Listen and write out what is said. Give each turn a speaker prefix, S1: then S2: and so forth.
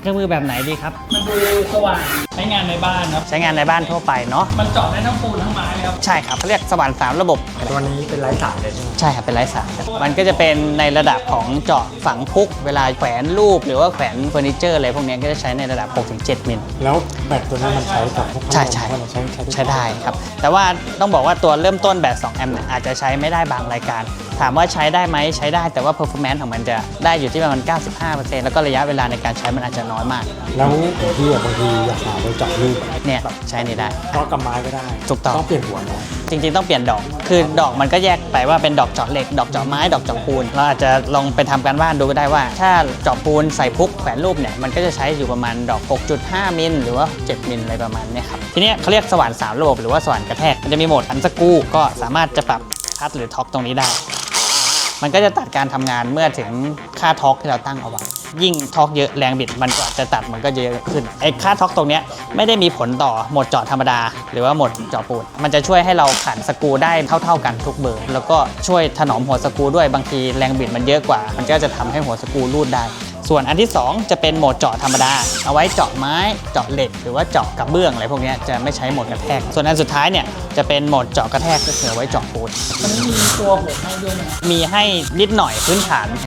S1: เครื่องมือแบบไหนดีครับ
S2: มันดูสว่างใช้งานในบ้านครับ
S1: ใช้งานในบ้านทั่วไปเนาะ
S2: มันเจาะได้ทั้งปูนทั้งไม้ครับ
S1: ใช่ครับเขาเรียกสว่าน3ระบบ
S3: ตัวนี้เป็นไร้สายเลยใช่ไหม
S1: ใช่ครับเป็นไร้สายมันก็จะเป็นในระดับของเจาะฝังพุกเวลาแขวนรูปหรือว่าแขวนเฟอร์นิเจอร์อะไรพวกนี้ก็จะใช้ในระดับ 6-7 มิล
S3: แล้วแบตตัวนี้มันใช้กับพวก
S1: ใช่
S3: ใช้
S1: ได้ครับแต่ว่าต้องบอกว่าตัวเริ่มต้นแบต2 แอมป์เนี่ยอาจจะใช้ไม่ได้บางรายการถามว่าใช้ได้ไหมใช้ได้แต่ว่า performance ของมันจะได้อยู่ที่ประมาณ 95% แล้วก็ระยะเวลาในการใช้มันอาจจะน้อยมาก
S3: แล้วพี่บางทีอยากหาไปเจาะรูป
S1: เนี่ยใช้นี่ได้
S3: เพราะกับไม้ก็ได้
S1: ถูกต้อง
S3: เปลี่ยนหัวเนาะ
S1: จริงๆต้องเปลี่ยนดอกคือดอกมันก็แยกไปว่าเป็นดอกเจาะเหล็กดอกเจาะไม้ดอกเจาะปูนเราอาจจะลองไปทำการบ้านดูก็ได้ว่าถ้าเจาะปูนใส่พุกแขวนรูปเนี่ยมันก็จะใช้อยู่ประมาณดอก 6.5 มิลหรือว่า 7 มิลอะไรประมาณนี้ครับทีนี้เขาเรียกสว่าน3ระบบหรือว่าสว่านกระแทกมันจะมีโหมดอันสกรูก็สามารถจะปรับพัดหรือท็อกตรงนี้ได้มันก็จะตัดการทำงานเมื่อถึงค่าท็อกที่เราตั้งเอาไว้ยิ่งท็อกเยอะแรงบิดมันก็จะตัดมันก็เยอะขึ้นไอ้ค่าท็อกตรงนี้ไม่ได้มีผลต่อโหมดเจาะธรรมดาหรือว่าโหมดเจาะปูนมันจะช่วยให้เราขันสกรูได้เท่ากันทุกเบอร์แล้วก็ช่วยถนอมหัวสกรูด้วยบางทีแรงบิดมันเยอะกว่ามันก็จะทำให้หัวสกรูรูดได้ส่วนอันที่2จะเป็นโหมดเจาะธรรมดาเอาไว้เจาะไม้เจาะเหล็กหรือว่าเจาะกระเบื้องอะไรพวกนี้จะไม่ใช้โหมดกระแทกส่วนอันสุดท้ายเนี่ยจะเป็นโหมดเจาะกระแทกก็คือไว้เจาะปูน
S2: มันมีตัวหัวให้ด้วยนะ
S1: มีให้นิดหน่อยพื้นฐาน